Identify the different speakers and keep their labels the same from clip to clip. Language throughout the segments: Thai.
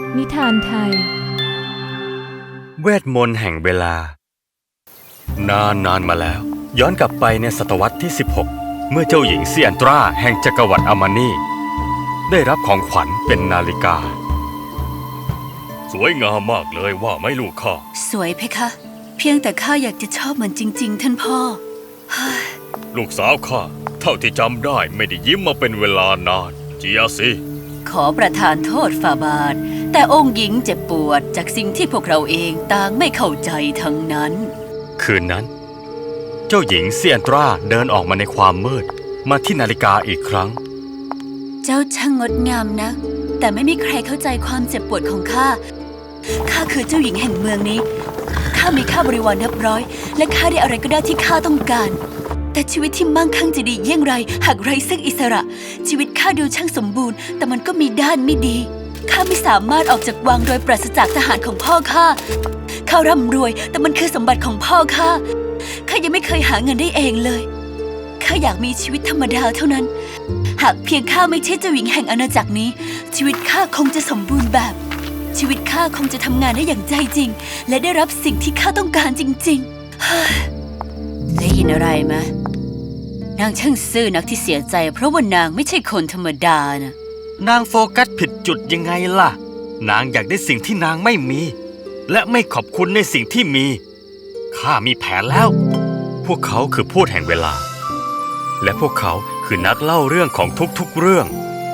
Speaker 1: นิทานไทย
Speaker 2: เวทมนต์แห่งเวลานานมาแล้วย้อนกลับไปในศตวรรษที่ 16 เมื่อเจ้าหญิงเซียนตราแห่งจักรวรรดิอามานีได้รับของขวัญเป็นนาฬิกาสวยงามมากเลยว่าไหมลูกข้า
Speaker 3: สวยเพคะเพียงแต่ข้าอยากจะชอบมันจริงๆท่านพ่อ
Speaker 2: ลูกสาวข้าเท่าที่จำได้ไม่ได้ยิ้มมาเป็นเวลานานเจียสิ
Speaker 3: ขอประทานโทษฝ่าบาทแต่องค์หญิงเจ็บปวดจากสิ่งที่พวกเราเองต่างไม่เข้าใจทั้งนั้น
Speaker 2: คืนนั้นเจ้าหญิงเซียนตราเดินออกมาในความมืดมาที่นาฬิกาอีกครั้ง
Speaker 3: เจ้าช่างงดงามนะแต่ไม่มีใครเข้าใจความเจ็บปวดของข้าคือเจ้าหญิงแห่งเมืองนี้ข้ามีข้าบริวารนับร้อยและข้าได้อะไรก็ได้ที่ข้าต้องการแต่ชีวิตที่มั่งคั่งจะดีเยี่ยงไรหากไร้ซึ่งอิสระชีวิตข้าดูช่างสมบูรณ์แต่มันก็มีด้านไม่ดีข้าไม่สามารถออกจากวังโดยปราศจากทหารของพ่อข้าร่ำรวยแต่มันคือสมบัติของพ่อข้ายังไม่เคยหาเงินได้เองเลยข้าอยากมีชีวิตธรรมดาเท่านั้นหากเพียงข้าไม่ใช่เจ้าหญิงแห่งอาณาจักรนี้ชีวิตข้าคงจะสมบูรณ์แบบชีวิตข้าคงจะทำงานได้อย่างใจจริงและได้รับสิ่งที่ข้าต้องการจริงๆได้ยินอะไรไหมนางช่างซื่อนักที่เสียใจเพราะว่านางไม่ใช่คนธรรมดานะ
Speaker 2: นางโฟกัสผิดจุดยังไงล่ะนางอยากได้สิ่งที่นางไม่มีและไม่ขอบคุณในสิ่งที่มีข้ามีแผนแล้วพวกเขาคือพูดแห่งเวลาและพวกเขาคือนักเล่าเรื่องของทุกๆเรื่อง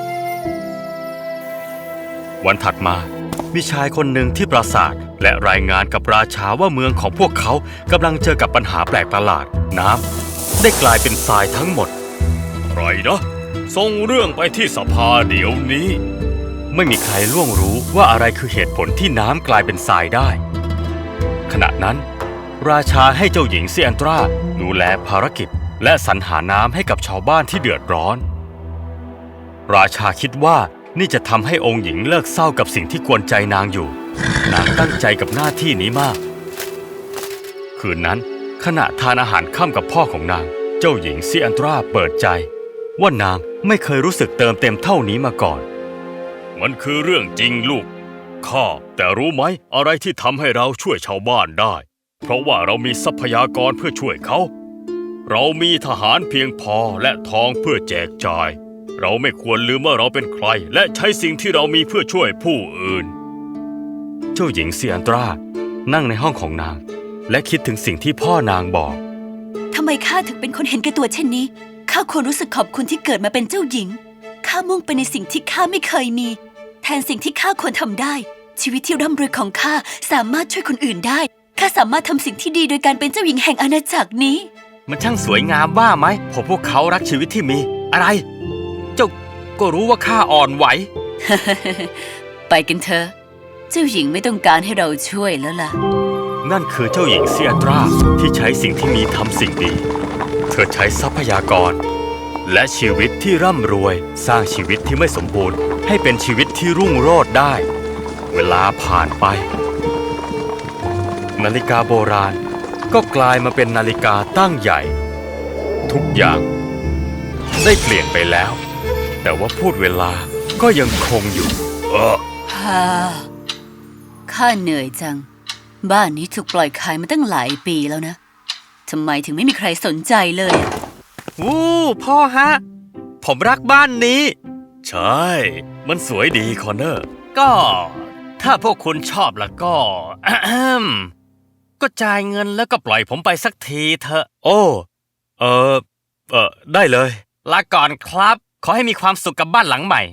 Speaker 2: วันถัดมามีชายคนหนึ่งที่ปราสาทและรายงานกับราชาว่าเมืองของพวกเขากำลังเจอกับปัญหาแปลกประหลาดน้ำได้กลายเป็นทรายทั้งหมดไรนะส่งเรื่องไปที่สภาเดี๋ยวนี้ไม่มีใครล่วงรู้ว่าอะไรคือเหตุผลที่น้ำกลายเป็นทรายได้ขณะนั้นราชาให้เจ้าหญิงเซียนตราดูแลภารกิจและสรรหาน้ำให้กับชาวบ้านที่เดือดร้อนราชาคิดว่านี่จะทำให้องค์หญิงเลิกเศร้ากับสิ่งที่กวนใจนางอยู่นางตั้งใจกับหน้าที่นี้มากคืนนั้นขณะทานอาหารค่ำกับพ่อของนางเจ้าหญิงเซียนตราเปิดใจว่านางไม่เคยรู้สึกเติมเต็มเท่านี้มาก่อนมันคือเรื่องจริงลูกข้าแต่รู้ไหมอะไรที่ทำให้เราช่วยชาวบ้านได้เพราะว่าเรามีทรัพยากรเพื่อช่วยเขาเรามีทหารเพียงพอและทองเพื่อแจกจ่ายเราไม่ควรลืมว่าเราเป็นใครและใช้สิ่งที่เรามีเพื่อช่วยผู้อื่นเจ้าหญิงเซียนตรานั่งในห้องของนางและคิดถึงสิ่งที่พ่อนางบอก
Speaker 3: ทำไมข้าถึงเป็นคนเห็นแก่ตัวเช่นนี้ข้าควรรู้สึกขอบคุณที่เกิดมาเป็นเจ้าหญิงข้ามุ่งไปในสิ่งที่ข้าไม่เคยมีแทนสิ่งที่ข้าควรทำได้ชีวิตที่ร่ำรวยของข้าสามารถช่วยคนอื่นได้ข้าสามารถทำสิ่งที่ดีโดยการเป็นเจ้าหญิงแห่งอาณาจักรนี้
Speaker 2: มันช่างสวยงามว่าไหมพวกเขารักชีวิตที่มีอะไรเจ้าก็รู้ว่าข้าอ่อนไหว
Speaker 3: ไปกันเถอะเจ้าหญิงไม่ต้องการให้เราช่วยแล้วล่ะ
Speaker 2: นั่นคือเจ้าหญิงเซียตราที่ใช้สิ่งที่มีทำสิ่งดีเธอใช้ทรัพยากรและชีวิตที่ร่ำรวยสร้างชีวิตที่ไม่สมบูรณ์ให้เป็นชีวิตที่รุ่งโรจน์ได้เวลาผ่านไปนาฬิกาโบราณก็กลายมาเป็นนาฬิกาตั้งใหญ่ทุกอย่างได้เปลี่ยนไปแล้วแต่ว่าพูดเวลาก็ยังคงอยู่
Speaker 3: ข้าเหนื่อยจังบ้านนี้ถูกปล่อยขายมาตั้งหลายปีแล้วนะทำไมถึงไม่มีใครสนใจเลย
Speaker 2: พ่อฮะผมรักบ้านนี้ใช่มันสวยดีคอนเนอร์ก็ถ้าพวกคุณชอบแล้วก็ก็จ่ายเงินแล้วก็ปล่อยผมไปสักทีเถอะโอ้ได้เลยลาก่อนครับขอให้มีความสุขกับบ้านหลังใหม่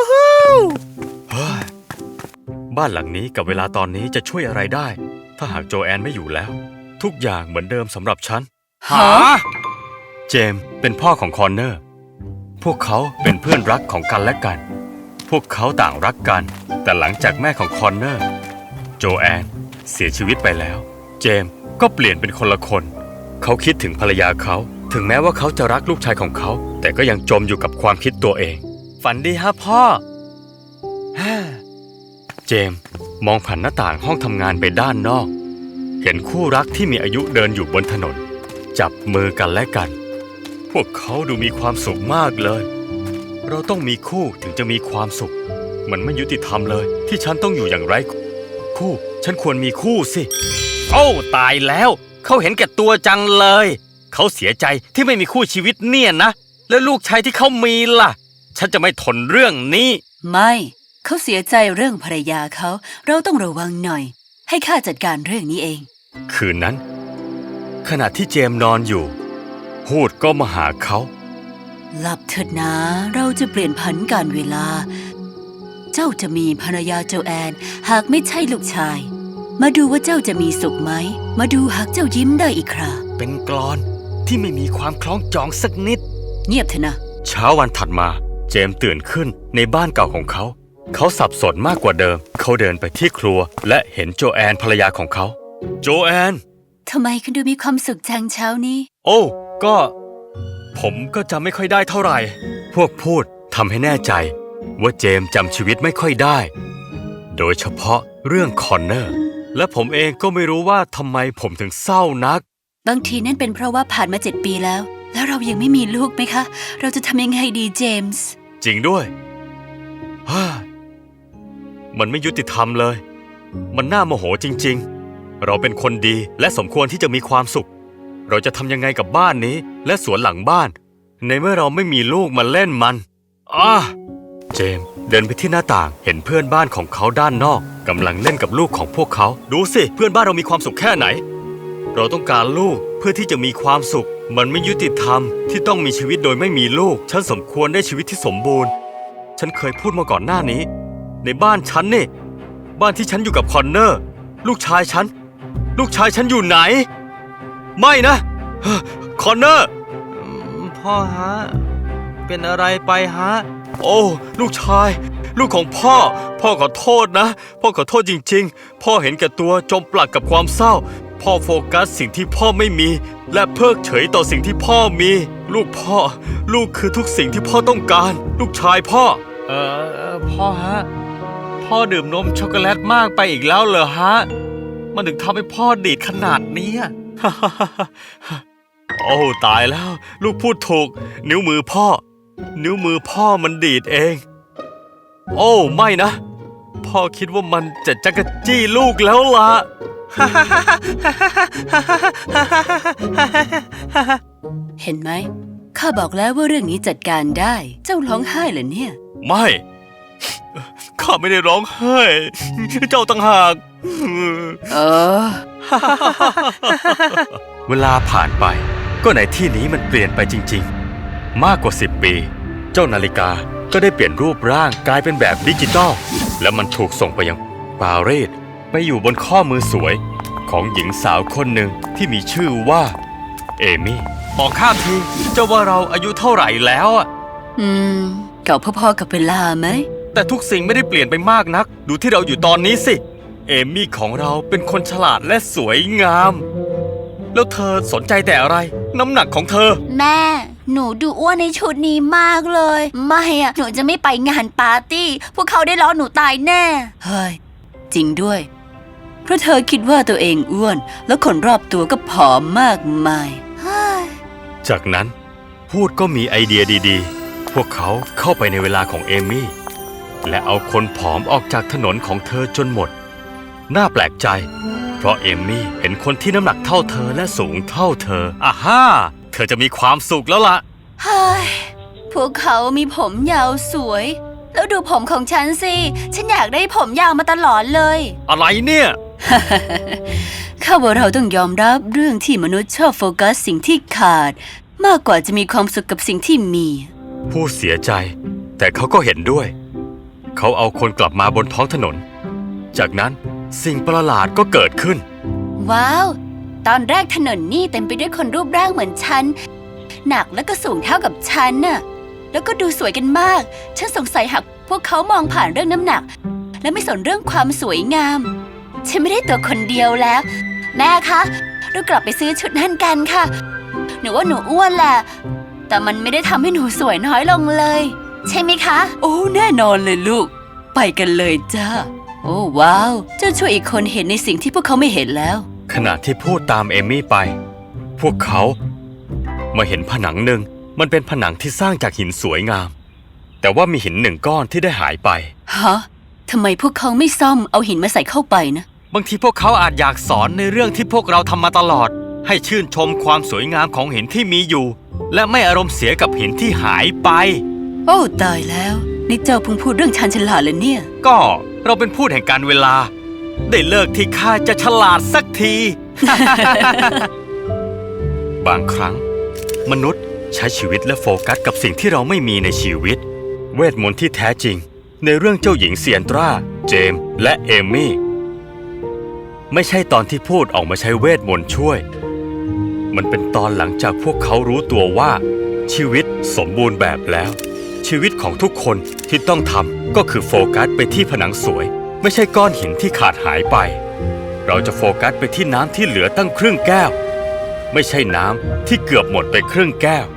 Speaker 2: บ้านหลังนี้กับเวลาตอนนี้จะช่วยอะไรได้ถ้าหากโจแอนไม่อยู่แล้วทุกอย่างเหมือนเดิมสำหรับฉันเจมส์เป็นพ่อของคอนเนอร์พวกเขาเป็นเพื่อนรักของกันและกันพวกเขาต่างรักกันแต่หลังจากแม่ของคอนเนอร์โจแอนเสียชีวิตไปแล้วเจมส์ก็เปลี่ยนเป็นคนละคนเขาคิดถึงภรรยาเขาถึงแม้ว่าเขาจะรักลูกชายของเขาแต่ก็ยังจมอยู่กับความคิดตัวเองฝันดีฮะพ่อเจมส์มองผ่านหน้าต่างห้องทำงานไปด้านนอกเห็นคู่รักที่มีอายุเดินอยู่บนถนนจับมือกันและกันพวกเขาดูมีความสุขมากเลยเราต้องมีคู่ถึงจะมีความสุขมันไม่ยุติธรรมเลยที่ฉันต้องอยู่อย่างไร้คู่ฉันควรมีคู่สิโอ้ตายแล้วเขาเห็นแก่ตัวจังเลยเขาเสียใจที่ไม่มีคู่ชีวิตเนี่ยนะแล้วลูกชายที่เขามีล่ะฉันจะไม่ทนเรื่องนี้
Speaker 3: ไม่เขาเสียใจเรื่องภรรยาเขาเราต้องระวังหน่อยให้ข้าจัดการเรื่องนี้เอง
Speaker 2: คืนนั้นขณะที่เจมส์นอนอยู่พูดก็มาหาเขา
Speaker 3: หลับเถิดนะเราจะเปลี่ยนผันการเวลาเจ้าจะมีภรรยาโจแอนหากไม่ใช่ลูกชายมาดูว่าเจ้าจะมีสุขไหมมาดูหากเจ้ายิ้มได้อีกครา
Speaker 2: เป็นกลอนที่ไม่มีความคล้องจองสักนิด
Speaker 3: เงียบเถอะนะ
Speaker 2: เช้าวันถัดมาเจมส์ตื่นขึ้นในบ้านเก่าของเขาสับสนมากกว่าเดิมเขาเดินไปที่ครัวและเห็นโจแอนภรรยาของเขาโจแอน
Speaker 3: ทำไมคุณดูมีความสุขจังเช้านี้
Speaker 2: โอ้ผมก็จำไม่ค่อยได้เท่าไหร่พวกพูดทำให้แน่ใจว่าเจมส์จำชีวิตไม่ค่อยได้โดยเฉพาะเรื่องคอนเนอร์และผมเองก็ไม่รู้ว่าทำไมผมถึงเศร้านัก
Speaker 3: บางทีนั่นเป็นเพราะว่าผ่านมา7 ปีแล้วเรายังไม่มีลูกไหมคะเราจะทำยังไงดีเจมส์
Speaker 2: จริงด้วยมันไม่ยุติธรรมเลยมันน่าโมโหจริงๆเราเป็นคนดีและสมควรที่จะมีความสุขเราจะทำยังไงกับบ้านนี้และสวนหลังบ้านในเมื่อเราไม่มีลูกมาเล่นมันเจมส์เดินไปที่หน้าต่างเห็นเพื่อนบ้านของเขาด้านนอกกำลังเล่นกับลูกของพวกเขาดูสิเพื่อนบ้านเรามีความสุขแค่ไหนเราต้องการลูกเพื่อที่จะมีความสุขมันไม่ยุติธรรมที่ต้องมีชีวิตโดยไม่มีลูกฉันสมควรได้ชีวิตที่สมบูรณ์ฉันเคยพูดมาก่อนหน้านี้ในบ้านฉันนี่บ้านที่ฉันอยู่กับคอนเนอร์ลูกชายฉันอยู่ไหนไม่นะคอนเนอร์พ่อฮะเป็นอะไรไปฮะโอ้ลูกชายลูกของพ่อขอโทษนะพ่อขอโทษจริงๆพ่อเห็นแก่ตัวจมปลักกับความเศร้าพ่อโฟกัสสิ่งที่พ่อไม่มีและเพิกเฉยต่อสิ่งที่พ่อมีลูกคือทุกสิ่งที่พ่อต้องการลูกชายพ่อพ่อฮะพ่อดื่มนมช็อกโกแลตมากไปอีกแล้วเหรอฮะมันถึงทำให้พ่อดีดขนาดนี้โอ้ตายแล้วลูกพูดถูกนิ้วมือพ่อมันดีดเองโอ้ไม่นะพ่อคิดว่ามันจะจักรจี้ลูกแล้วล่ะ
Speaker 3: เห็นไหมข้าบอกแล้วว่าเรื่องนี้จัดการได้เจ้าร้องไห้เหรอเนี่ย
Speaker 2: ไม่ข้าไม่ได้ร้องไห้เจ้าต่างหากเวลาผ่านไปก็ในที่นี้มันเปลี่ยนไปจริงๆมากกว่า10 ปีเจ้านาฬิกาก็ได้เปลี่ยนรูปร่างกลายเป็นแบบดิจิตอลและมันถูกส่งไปยังปารีสไปอยู่บนข้อมือสวยของหญิงสาวคนหนึ่งที่มีชื่อว่าเอมี่บอกข้าทีเจ้าว่าเราอายุเท่าไหร่แล้ว
Speaker 3: เก่าพอๆกับเวลาไหม
Speaker 2: แต่ทุกสิ่งไม่ได้เปลี่ยนไปมากนักดูที่เราอยู่ตอนนี้สิเอมี่ของเราเป็นคนฉลาดและสวยงามแล้วเธอสนใจแต่อะไรน้ำหนักของเธอ
Speaker 3: แม่หนูดูอ้วนในชุดนี้มากเลยไม่หนูจะไม่ไปงานปาร์ตี้พวกเขาได้ล้อหนูตายแน่เฮ้ยจริงด้วยเพราะเธอคิดว่าตัวเองอ้วนแล้วคนรอบตัวก็ผอมมากมาย
Speaker 2: จากนั้นพูดก็มีไอเดียดีๆพวกเขาเข้าไปในเวลาของเอมี่และเอาคนผอมออกจากถนนของเธอจนหมดน่าแปลกใจเพราะเอมี่เห็นคนที่น้ำหนักเท่าเธอและสูงเท่าเธอเธอจะมีความสุขแล้วล่ะ
Speaker 3: เฮ้ยพวกเขามีผมยาวสวยแล้วดูผมของฉันสิฉันอยากได้ผมยาวมาตลอดเลย
Speaker 2: อะไรเนี่ย
Speaker 3: ข้าว่าเราต้องยอมรับเรื่องที่มนุษย์ชอบโฟกัสสิ่งที่ขาดมากกว่าจะมีความสุขกับสิ่งที่มี
Speaker 2: ผู้เสียใจแต่เขาก็เห็นด้วยเขาเอาคนกลับมาบนท้องถนนจากนั้นสิ่งประหลาดก็เกิดขึ้น
Speaker 3: ว้าวตอนแรกถนนนี่เต็มไปด้วยคนรูปร่างเหมือนฉันหนักและก็สูงเท่ากับฉันน่ะแล้วก็ดูสวยกันมากฉันสงสัยหากพวกเขามองผ่านเรื่องน้ำหนักและไม่สนเรื่องความสวยงามฉันไม่ได้ตัวคนเดียวแล้วแม่คะเรากลับไปซื้อชุดนั่นกันค่ะหนูว่าหนูอ้วนแหละแต่มันไม่ได้ทำให้หนูสวยน้อยลงเลยใช่ไหมคะโอ้แน่นอนเลยลูกไปกันเลยจ้าโอ้ว้าวเจ้าช่วยอีกคนเห็นในสิ่งที่พวกเขาไม่เห็นแล้ว
Speaker 2: ขณะที่พูดตามเอมี่ไปพวกเขามาเห็นผนังหนึ่งมันเป็นผนังที่สร้างจากหินสวยงามแต่ว่ามีหินหนึ่งก้อนที่ได้หายไป
Speaker 3: ฮะทำไมพวกเขาไม่ซ่อมเอาหินมาใส่เข้าไปนะ
Speaker 2: บางทีพวกเขาอาจอยากสอนในเรื่องที่พวกเราทำมาตลอด ให้ชื่นชมความสวยงามของหินที่มีอยู่ และไม่อารมณ์เสียกับหินที่หายไป
Speaker 3: โอ้ตายแล้วนี่เจ้าเพิ่งพูดเรื่องชาญฉลาดเลยเนี่ย
Speaker 2: ก็เราเป็นผู้แห่งการเวลา ได้เลิกที่ข้าจะฉลาดสักที บางครั้ง มนุษย์ใช้ชีวิตและโฟกัสกับสิ่งที่เราไม่มีในชีวิต เวทมนต์ที่แท้จริง ในเรื่องเจ้าหญิงเซียนตรา เจมส์และเอมี่ ไม่ใช่ตอนที่พูดออกมาใช้เวทมนต์ช่วย มันเป็นตอนหลังจากพวกเขารู้ตัวว่า ชีวิตสมบูรณ์แบบแล้ว ชีวิตของทุกคนที่ต้องทำก็คือโฟกัสไปที่ผนังสวย ไม่ใช่ก้อนหินที่ขาดหายไป เราจะโฟกัสไปที่น้ำที่เหลือตั้งครึ่งแก้ว ไม่ใช่น้ำที่เกือบหมดไปครึ่งแก้ว